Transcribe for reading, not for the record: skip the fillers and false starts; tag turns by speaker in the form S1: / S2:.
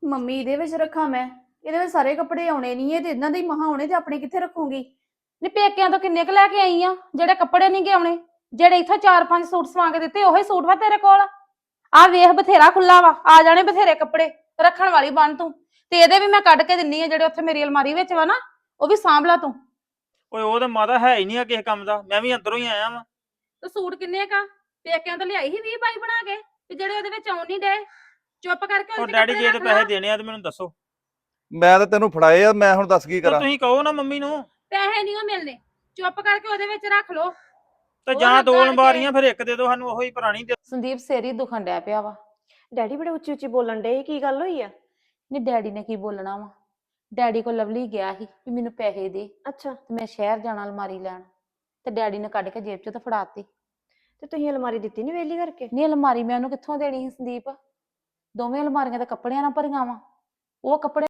S1: Mummy ਇਹਦੇ ਵਿੱਚ ਰੱਖਾਂ ਮੈਂ? ਇਹਦੇ ਵਿੱਚ ਸਾਰੇ ਕੱਪੜੇ ਆਉਣੇ ਨਹੀਂ ਇਹ ਤੇ ਇਹਨਾਂ ਦੇ ਹੀ ਮਹਾ ਆਉਣੇ ਤੇ ਆਪਣੇ ਕਿੱਥੇ ਰੱਖੂੰਗੀ?
S2: ਨੀ ਪੇਕਿਆਂ ਤੋਂ ਕਿੰਨੇ ਕੁ ਲੈ ਕੇ ਆਈ ਆ ਜਿਹੜੇ ਕੱਪੜੇ ਨਹੀਂ ਗਏ ਆਉਣੇ? ਜਿਹੜੇ ਇੱਥੋਂ 4-5 ਸੂਟ ਸਵਾ ਕੇ ਦਿੱਤੇ ਉਹੀ ਸੂਟ ਵਾ ਤੇਰੇ ਕੋਲ? ਆ ਵੇਖ ਬਥੇਰਾ ਖੁੱਲਾ ਵਾ, ਆ ਜਾਣੇ ਬਥੇਰੇ ਕੱਪੜੇ, ਰੱਖਣ ਵਾਲੀ ਬਣ ਤੂੰ। ਤੇ ਇਹਦੇ ਵੀ ਮੈਂ ਕੱਢ ਕੇ ਦਿੰਨੀ ਆ ਜਿਹੜੇ ਉੱਥੇ ਮੇਰੀ ਅਲਮਾਰੀ ਵਿੱਚ ਵਾ ਨਾ, ਉਹ ਵੀ ਸਾਂਭ ਲਾ ਤੂੰ।
S3: ਓਏ ਉਹ ਤਾਂ ਮਾਤਾ ਹੈ ਹੀ ਨਹੀਂ ਆ ਕਿਸੇ ਕੰਮ ਦਾ, ਮੈਂ ਵੀ ਅੰਦਰੋਂ ਹੀ ਆਇਆ ਵਾਂ।
S2: ਤੇ ਸੂਟ ਕਿੰਨੇ ਕਾ ਪੇਕਿਆਂ ਤੋਂ ਲਿਆਈ ਸੀ 20-22 ਬਣਾ ਕੇ ਤੇ ਜਿਹੜੇ ਉਹਦੇ ਵਿੱਚ ਆਉਣ ਨਹੀਂ ਡੇ? ਚੁੱਪ ਕਰਕੇ
S3: ਉਹ
S2: ਉਹਦੇ
S3: ਡੈਡੀ
S2: ਕੱਪੜੇ
S3: ਜੇ ਤੇ
S2: ਰੱਖ ਲਾ।
S3: ਪੈਸੇ ਦੇਣੇ ਆ ਤੇ ਮੈਨੂੰ ਦੱਸੋ।
S4: ਮੈਂ ਤਾਂ ਤੈਨੂੰ ਫੜਾਏ ਆ, ਮੈਂ ਹੁਣ ਦੱਸ ਕੀ
S3: ਤੇ
S4: ਕਰਾਂ?
S3: ਤੁਸੀਂ ਕਹੋ ਨਾ ਮੰਮੀ ਨੂੰ।
S2: ਪੈਸੇ ਨਹੀਂ ਉਹ ਮਿਲਨੇ, ਚੁੱਪ ਕਰਕੇ ਉਹਦੇ ਵਿੱਚ ਰੱਖ ਲੋ।
S3: ਤੇ
S2: ਉਹ
S3: ਜਾਂ
S2: ਲੱਗਾ
S3: ਦੋ
S2: ਕੇ-
S3: ਅਲਮਾਰੀਆਂ ਫਿਰ ਇੱਕ ਦੇ ਦਿਓ ਸਾਨੂੰ, ਉਹੀ ਪੁਰਾਣੀ ਦੇ।
S2: ਸੰਦੀਪ ਸੇਰੀ ਦੁਖਣ ਡਿਆ ਪਿਆ ਵਾ।
S5: ਡੈਡੀ ਬੜੇ ਉੱਚੀ ਉੱਚੀ ਬੋਲਣ ਡੇ, ਕੀ ਗੱਲ ਹੋਈ ਆ?
S2: ਨਹੀਂ ਡੈਡੀ ਨੇ ਕੀ ਬੋਲਣਾ ਵਾ, ਡੈਡੀ ਕੋਲ ਲਵਲੀ ਗਿਆ ਸੀ ਵੀ ਮੈਨੂੰ ਪੈਸੇ ਦੇ
S5: ਅੱਛਾ,
S2: ਤੇ ਮੈਂ ਸ਼ਹਿਰ ਜਾਣਾ ਅਲਮਾਰੀ ਲੈਣ, ਤੇ ਡੈਡੀ ਨੇ ਕੱਢ ਕੇ ਜੇਬ ਚੋਂ ਤਾਂ ਫੜਾਤੀ।
S5: ਤੇ ਤੁਸੀਂ ਅਲਮਾਰੀ ਦਿੱਤੀ ਨੀ ਵੇਲੀ ਕਰਕੇ?
S2: ਨਹੀਂ ਅਲਮਾਰੀ ਮੈਂ ਉਹਨੂੰ ਕਿੱਥੋਂ ਦੇਣੀ ਸੀ ਸੰਦੀਪ? ਦੋਵੇਂ ਅਲਮਾਰੀਆਂ ਤਾਂ ਕੱਪੜਿਆਂ ਨਾਲ ਭਰੀਆਂ ਵਾ, ਉਹ ਕੱਪੜੇ